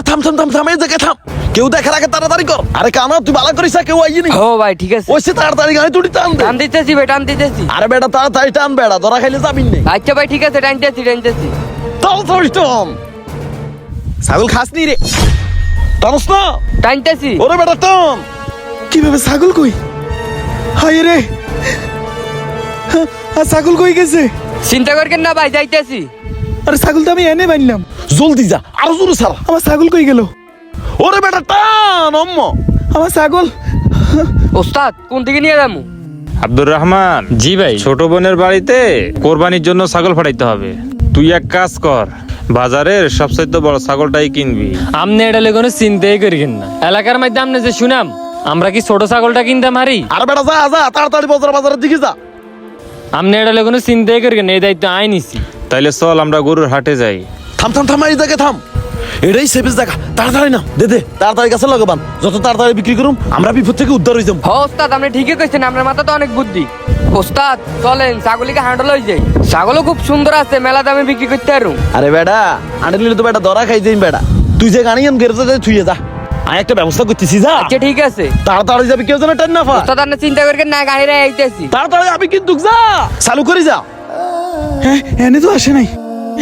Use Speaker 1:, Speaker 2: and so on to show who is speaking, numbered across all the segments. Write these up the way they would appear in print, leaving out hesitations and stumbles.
Speaker 1: থাম থাম থাম থাম, এই জায়গায় থাম। কেউ দেখার আগে তাড়াতাড়ি কর। আরে কানা তুই ভালো করিস, কেউ আইনি।
Speaker 2: ও ভাই ঠিক আছে,
Speaker 1: ওইসে তাড়াতাড়ি গাড়ি তুই টান দে।
Speaker 2: টান দিতেছি ভাই, টান দিতেছি।
Speaker 1: আরে বেটা তাড়াতাড়ি টান, বেড়া ধরা খাইলে যাবিন নেই।
Speaker 2: আচ্ছা ভাই ঠিক আছে, টানতেছি টানতেছি।
Speaker 1: তাড়াতাড়ি টান।
Speaker 3: ছাগল খাসনি রে।
Speaker 1: টানস না?
Speaker 2: টানতেছি।
Speaker 1: ওরে বেটা টান।
Speaker 3: কিভাবে ছাগল কই? হায় রে, আর ছাগল কই গেছে?
Speaker 2: চিন্তা করবেন না ভাই, যাইতেছি।
Speaker 3: আরে ছাগল তো আমি এনে বানলাম।
Speaker 1: জলদি যা, আরো জোরে ছাড়।
Speaker 3: আমার ছাগল কই গেল?
Speaker 1: ওরে বেটা টান অম্ম।
Speaker 3: আমার ছাগল।
Speaker 2: ওস্তাদ কোন দিকে নিয়ে যাবো?
Speaker 4: আব্দুর রহমান,
Speaker 5: জি ভাই।
Speaker 4: ছোট বোনের বাড়িতে কোরবানির জন্য ছাগল ফাটাইতে হবে। তুই এক কাজ কর, বাজারের সবচাইতে বড় ছাগলটাই কিনবি।
Speaker 5: আমনে এটা কোনো চিন্তাই করিবেন না। এলাকার মধ্যে আমনে যে শুনাম, আমরা কি ছোট ছাগলটা কিনতাম হারি?
Speaker 1: আরে বেটা যা যা, তাড়াতাড়ি বাজারের দিকে যা।
Speaker 5: আমনে এটা কোনো চিন্তাই করিবেন না, এই দায়িত্ব আই নিছি।
Speaker 4: তাইলে চল আমরা গরুর হাটে যাই।
Speaker 1: থাম থাম থাম, এই জায়গায় থাম। এটাই সেফেস জায়গা, তাড়াতাড়ি না দে দে, তাড়াতাড়ি কাছে লাগাবান। যত তাড়াতাড়ি বিক্রি করুম আমরা বিপদ থেকে উদ্ধার হয়ে যাবো।
Speaker 2: হ ওস্তাদ, আপনি ঠিকই কইছেন, আপনার মাথা তো অনেক বুদ্ধি। ওস্তাদ চলেন ছাগলিকে হাঁটল হয়ে যাই। ছাগলও খুব সুন্দর আছে, মেলা দামে বিক্রি করতে পারুম।
Speaker 1: আরে বেটা আনলে তো বেটা ধরা খাই যাই বেটা। তুই যে গাড়ি আন গেরজে যাই থুইয়ে যা, আমি একটা ব্যবস্থা করতেছি। যা
Speaker 2: আচ্ছা ঠিক আছে
Speaker 1: তাড়াতাড়ি যাবি, কেউ যেন টান না পা।
Speaker 2: ওস্তাদ, আপনি চিন্তা করবেন না, গাড়িরে আইতেছি।
Speaker 1: তাড়াতাড়ি যাবি কিন্তু, যা চালু করি যা।
Speaker 3: হ্যাঁ, এনে তো আসে নাই।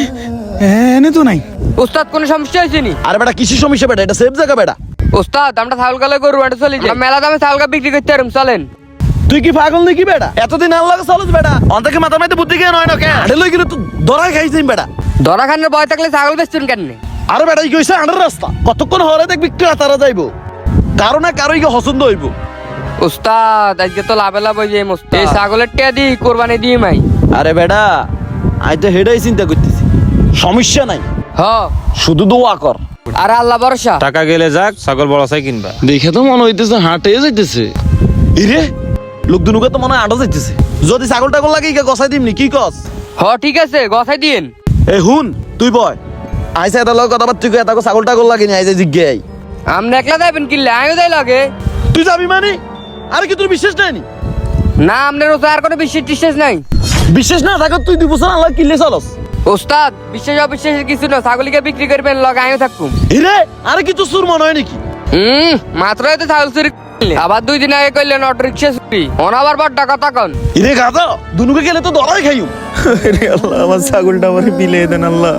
Speaker 3: এনে তো নাই।
Speaker 2: ওস্তাদ কোনো সমস্যা হয়েছে নি?
Speaker 1: আরে বেটা কিসের সমস্যা বেটা, এটা সেফ জায়গা বেটা।
Speaker 2: ওস্তাদ আমরা ছাগল গালে গরু হাটে চলে যাই, মেলা দামে ছাগল বিক্রি করতে পারুম, চলেন।
Speaker 1: তুই কি পাগল নাকি বেটা? এতদিন আল্লাহ চলছ বেটা, অন্তকে মাথা মাইতে বুদ্ধি কে নয় না কে? আরে লই গেলে তো ধরা খাই যাই বেটা।
Speaker 2: ধরা খানের ভয় থাকলে ছাগল বেচছেন কেন?
Speaker 1: আরে বেটা কি কইছে আন্ডার রাস্তা, কতক্ষণ হরে দেখবি ক্রেতারা যাইবো, কারো না কারো ইকে পছন্দ হইব।
Speaker 2: ওস্তাদ আজকে তো লাভে লাভ হয়ে যায় মস্ত। এই ছাগলের টিয়া দি কোরবানি দিই মাই।
Speaker 1: আরে বেটা আমি তো হেডাই চিন্তা করতেছি, সমস্যা নাই,
Speaker 2: হ
Speaker 1: শুধু দোয়া কর।
Speaker 2: আর আল্লাহ ভরসা।
Speaker 4: টাকা গেলে যাক, ছাগল বড় চাই কিনবা।
Speaker 1: দেখে তো মনে হইতেছে হাটে যাইতেছে। ইরে লোক দুনুকে তো মনে হয় আটা যাইতেছে। যদি ছাগল টাগল লাগে ইকে গসাই দিমনি, কি কস?
Speaker 2: হ ঠিক আছে, গছাই দিন।
Speaker 1: এ হুন তুই বয়, আইসা এটা লগে কথা বার্তা কই, এটা ছাগল টাগল লাগে নি, আইসা জিজ্ঞাই।
Speaker 2: আপনি একলা যাবেন কিনলে, আমিও যাই লাগে।
Speaker 1: তুই যাবি মানে? আরে কি তোর বিশ্বাস নাই নি?
Speaker 2: না আপনার ওতে আর কোনো বিশ্বাস টিশ্বাস নাই।
Speaker 1: বিশ্বাস না থাকে তুই 2 বছর আল্লাহ কিনলে চলস।
Speaker 2: ওস্তাদ বিশ্বাস অবিশ্বাসের কিছু না, ছাগলিকে বিক্রি করবেন, লগে আমিও থাকুম।
Speaker 1: ইরে আরে কি তোর সুর মনে হয় নাকি?
Speaker 2: মাত্রই তো ছাগল চুরি করলে। আবার 2 দিন আগে করলেন অটো রিক্সা চুরি, অনাবার বড় টাকা তখন।
Speaker 1: ইরে গাদা দুনুকে গেলে তো ধরাই খাইও।
Speaker 3: আরে আল্লাহ, আমার ছাগলটা আমার বিলে দেন আল্লাহ।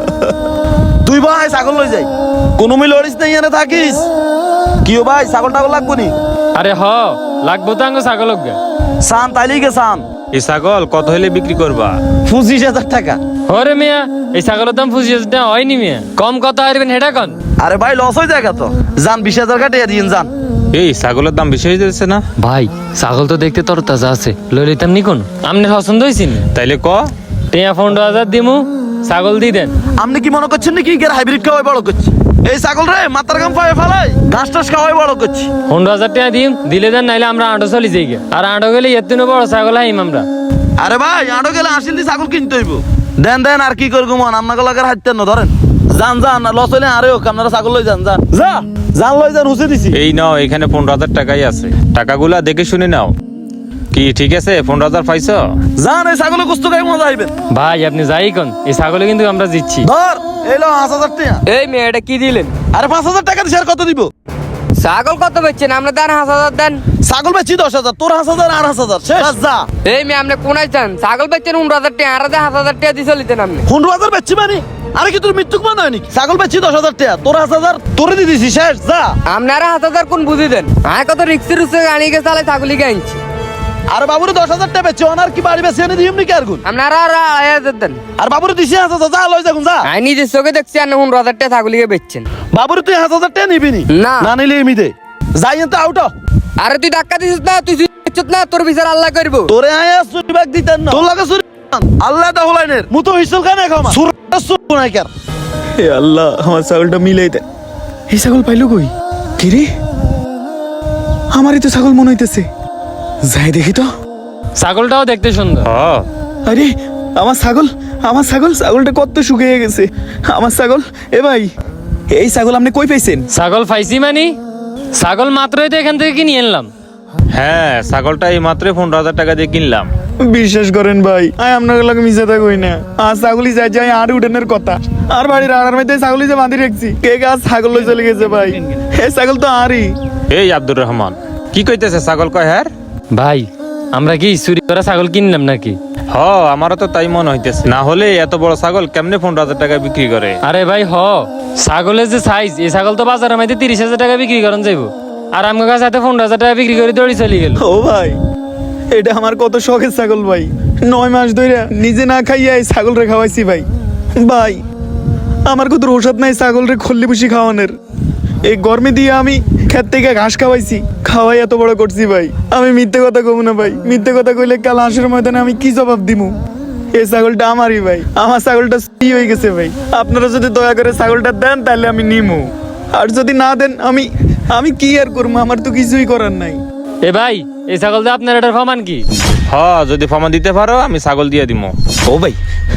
Speaker 1: তুই ভাই ছাগল লই যাই, কোনো মিল লড়িস নাই, এনে থাকিস। কিও ভাই ছাগল টাগল লাগবো নি?
Speaker 5: আরে হ, লাগবো তো আঙ্গ ছাগল।
Speaker 1: সান তাইলেই গে সান।
Speaker 4: এই ছাগল কত হইলে বিক্রি করবা?
Speaker 1: 25,000 টাকা।
Speaker 5: হরে মিয়া, এই ছাগলের দাম 25,000 হয়নি মিয়া, কম কত হারবেন হেটা কন।
Speaker 1: আরে ভাই লস হয়ে যায় তো, যান 20,000 কাটিয়ে দিন যান।
Speaker 4: এই ছাগলের দাম বেশি হয়ে যাচ্ছে না?
Speaker 5: ভাই ছাগল তো দেখতে তর তাজা আছে, লই লইতাম নি কোন? আপনার পছন্দ হয়েছি?
Speaker 4: তাইলে ক
Speaker 5: টিয়া 15,000 দিমু, ছাগল দি দেন।
Speaker 1: আপনি কি মনে করছেন নাকি এর হাইব্রিড খাওয়াই বড় করছি? এই ছাগল রে মাথার গাম পায়ে ফেলাই ঘাস টাস খাওয়াই বড় করছি।
Speaker 5: 15,000 টাকা দিম, দিলে দেন, নাইলে আমরা আঁটো চলি যাই গে। আর আঁটো গেলে এর দিনও বড় ছাগল হাইম আমরা।
Speaker 1: আরে ভাই আটো গেলে 80 দি ছাগল কিনতে হইব। দেন দেন আর কি করবো মন, আপনাকে লাগার হাইতেন না, ধরেন যান যান, লস হইলে আরে হোক, আপনারা ছাগল লই যান, যান যা যান লই যান, হুসে দিছি।
Speaker 4: এই নাও, এখানে 15,000 টাকাই আছে, টাকাগুলা দেখে শুনে নাও। কি ঠিক আছে? 15,000 পাইছো?
Speaker 1: যান এই ছাগলে কুস্ত খাই মজা হইবেন।
Speaker 5: ভাই আপনি যাই কোন, এই ছাগলে কিন্তু আমরা জিতছি।
Speaker 1: ধর এলো 5,000 টাকা।
Speaker 2: এই মেয়ে এটা কি দিলেন?
Speaker 1: আরে 5,000 টাকা দিছি, আর কত দিব?
Speaker 2: ছাগল কত বেচছেন? আমরা দেন 5,000 দেন।
Speaker 1: ছাগল বেচি 10,000, তোর 5,000 আর 5,000 শেষ। যা
Speaker 2: এই মেয়ে আপনি কোনায় চান? ছাগল বেচছেন 15,000 টাকা, আর 5,000 টাকা দিয়ে চলিতেন আপনি।
Speaker 1: 15,000 বেচছি মানে? আরে কি তোর মৃত্যুক মনে হয় নাকি? ছাগল বেচছি 10,000 টাকা, তোর 5,000 তোরে দিয়ে দিছি, শেষ। যা
Speaker 2: আপনারা 1,000 কোন বুঝি দেন? আর কত রিক্সি রুসে আনিকে চালাই ছাগলিকে আনছি।
Speaker 1: আর বাবুরে 10,000 টাকা বেচছি, ওনার কি বাড়ি বেচি এনে দিম নাকি আর গুণ?
Speaker 2: আপনারা আর 2,500 দেন।
Speaker 1: আর বাবুরে দিছি 5,000, যা লই যাগুন যা।
Speaker 2: আমি নিজের চোখে দেখছি আপনি 15,000 টাকা ছাগলিকে বেচছেন।
Speaker 1: বাবুরে তুই 5,000 টাকা নিবি নি?
Speaker 2: না।
Speaker 1: না নিলে এমনি দে, যাই তো আউট।
Speaker 2: আরে তুই ধাক্কা দিছিস না, তুই চুপ না, তোর বিচার আল্লাহ করবো।
Speaker 1: তোরে আয়া চুরি বাগ দিতেন না, তোর লাগে চুরি আল্লাহ দা হলাইনের মুতো হিসল কানে খামা সুর নাই কার।
Speaker 3: হে আল্লাহ, আমার ছাগলটা মিলাই দেন। এই ছাগল পাইলো কই? কি রে, আমারই তো ছাগল মনে হইতেছে, যাই দেখি তো।
Speaker 5: ছাগলটাও দেখতে সুন্দর।
Speaker 3: আরে আমার ছাগল, আমার ছাগল, ছাগলটা কত শুকিয়ে গেছে আমার ছাগল। এ ভাই, এই ছাগল আপনি কই পাইছেন?
Speaker 5: ছাগল পাইছি মানে? ছাগল মাত্রই তো এখান থেকে কিনে আনলাম।
Speaker 4: হ্যাঁ ছাগলটা এই মাত্রই 15,000 টাকা দিয়ে কিনলাম।
Speaker 3: বিশ্বাস করেন ভাই আমি আপনার লাগে মিশে থাকুই না। আর ছাগলই যাই যাই আর উঠানের কথা আর বাড়ির আড়ার মধ্যে ছাগলই যে বাঁধি রাখছি কে গাছ ছাগল লই চলে গেছে ভাই। হে ছাগল তো আরই।
Speaker 4: এই আব্দুর রহমান কি কইতেছে ছাগল কয় হ্যাঁ?
Speaker 5: ভাই আমরা কি চুরি করা ছাগল কিনলাম নাকি?
Speaker 4: হ আমারও তো তাই মনে হইতেছে, না হলে এত বড় ছাগল কেমনে 15,000 টাকা বিক্রি করে?
Speaker 5: আরে ভাই ছাগলের যে সাইজ, এই ছাগল তো বাজারের মধ্যে 30,000 টাকা বিক্রি করেন যাইব, আর আমার কাছে 15,000 টাকা বিক্রি করে দৌড়ি চলে গেল।
Speaker 3: ও ভাই এটা আমার কত শখের ছাগল ভাই, 9 মাস ধরে নিজে না খাইয়া এই ছাগল রে খাওয়াইছি ভাই। ভাই আমার কত ঔষধ নাই ছাগল রে খল্লি পুষি খাওয়ানোর। এই গরমে দিয়ে আমি খেত থেকে ঘাস খাওয়াইছি, খাওয়াই এত বড় করছি ভাই। আমি মিথ্যে কথা কব না ভাই, মিথ্যে কথা কইলে কাল হাঁসের ময়দানে আমি কি জবাব দিমু? এই ছাগলটা আমারই ভাই, আমার ছাগলটা কি হয়ে গেছে ভাই। আপনারা যদি দয়া করে ছাগলটা দেন তাহলে আমি নিমু, আর যদি না দেন আমি কি আর করবো, আমার তো কিছুই করার নাই।
Speaker 5: এ ভাই এই ছাগল দিয়ে আপনার এটার প্রমাণ কি?
Speaker 4: হ যদি ফর্মা দিতে পারো আমি ছাগল দিয়ে দিমু।
Speaker 3: ও ভাই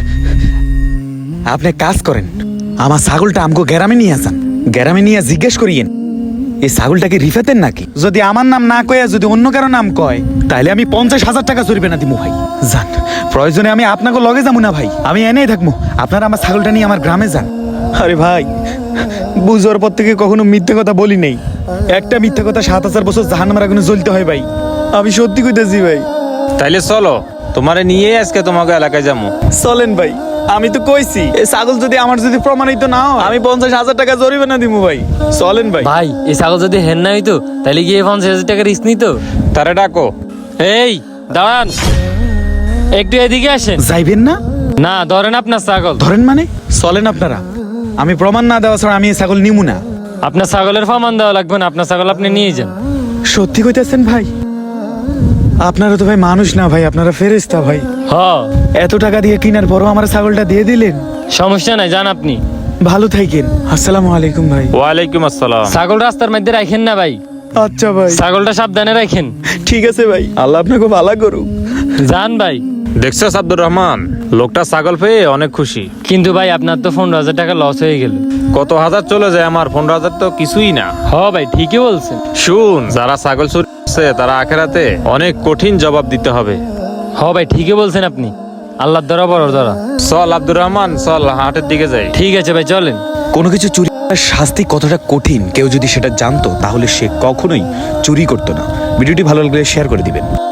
Speaker 3: আপনি কাজ করেন, আমার ছাগলটা আমগো গ্রামে নিয়ে আসেন, গ্রামে নিয়ে জিজ্ঞেস করিয়েন এই ছাগলটাকে রিফাতেন নাকি। যদি আমার নাম না কয়ে যদি অন্য কারো নাম কয় তাহলে আমি 50,000 টাকা জরিমানা দিমু ভাই। যান প্রয়োজনে আমি আপনাকে লগে যাবো না ভাই, আমি এনেই থাকবো, আপনারা আমার ছাগলটা নিয়ে আমার গ্রামে যান। আরে ভাই বুঝার পর থেকে কখনো মিথ্যে কথা বলি নেই, একটা মিথ্যে কথা 7,000 বছর জাহান্নামের আগুনে জ্বলতে হয় ভাই, আমি সত্যি কইতেছি ভাই।
Speaker 4: তাইলে চলো তোমারে নিয়ে আজকে তোমাকে এলাকায় যাবো।
Speaker 3: চলেন ভাই, আমি তো কইছি এই ছাগল যদি আমার যদি প্রমাণিত না হয় আমি 50,000 টাকা জরিমানা দিমু ভাই। চলেন ভাই।
Speaker 5: ভাই এই ছাগল যদি হেন না হইতো তাহলে গিয়ে 50,000 টাকা রিস্ক নিত।
Speaker 4: তারে ডাকো।
Speaker 5: এই দাঁড়ান, একটু এদিকে আসেন।
Speaker 3: যাইবেন না?
Speaker 5: না ধরেন আপনার ছাগল।
Speaker 3: ধরেন মানে চলেন আপনারা, আমি প্রমাণ না দেওয়া ছাড়া আমি এই ছাগল নিমু না।
Speaker 5: আপনার ছাগলের প্রমাণ দেওয়া লাগবে না, আপনার ছাগল আপনি নিয়ে যান।
Speaker 3: সত্যি কইতেছেন ভাই? আপনারা তো ভাই মানুষ না ভাই, আপনারা ফেরেশতা ভাই। এত টাকা দিয়ে কিনার পরও আমার ছাগলটা দিয়ে দিলেন।
Speaker 5: সমস্যা নাই, যান আপনি।
Speaker 3: ভালো থাকেন। আসসালামু আলাইকুম ভাই।
Speaker 4: ওয়ালাইকুম আসসালাম।
Speaker 5: ছাগল রাস্তার মধ্যে রাখেন না ভাই।
Speaker 3: আচ্ছা ভাই
Speaker 5: ছাগলটা সাবধানে রাখেন।
Speaker 3: ঠিক আছে ভাই, আল্লাহ আপনাকে ভালো করুক।
Speaker 5: যান ভাই।
Speaker 4: দেখছো আব্দুর রহমান, লোকটা ছাগল পেয়ে অনেক খুশি।
Speaker 5: কিন্তু ভাই আপনার তো 15,000 টাকা লস হয়ে গেল।
Speaker 4: কত হাজার চলে যায়, আমার 15,000 তো কিছুই না।
Speaker 5: ভাই ঠিকই বলছেন।
Speaker 4: শুন, যারা ছাগল চুরি করছে তারা আখেরাতে অনেক কঠিন জবাব দিতে হবে।
Speaker 5: ভাই ঠিকই বলছেন আপনি, আল্লাহর দ্বারা বড় দ্বারা।
Speaker 4: চল আব্দুর রহমান, চল হাটের দিকে যাই।
Speaker 5: ঠিক আছে ভাই চলেন।
Speaker 3: কোনো কিছু চুরি করার শাস্তি কতটা কঠিন কেউ যদি সেটা জানতো তাহলে সে কখনোই চুরি করতো না। ভিডিওটি ভালো লাগলে শেয়ার করে দিবেন।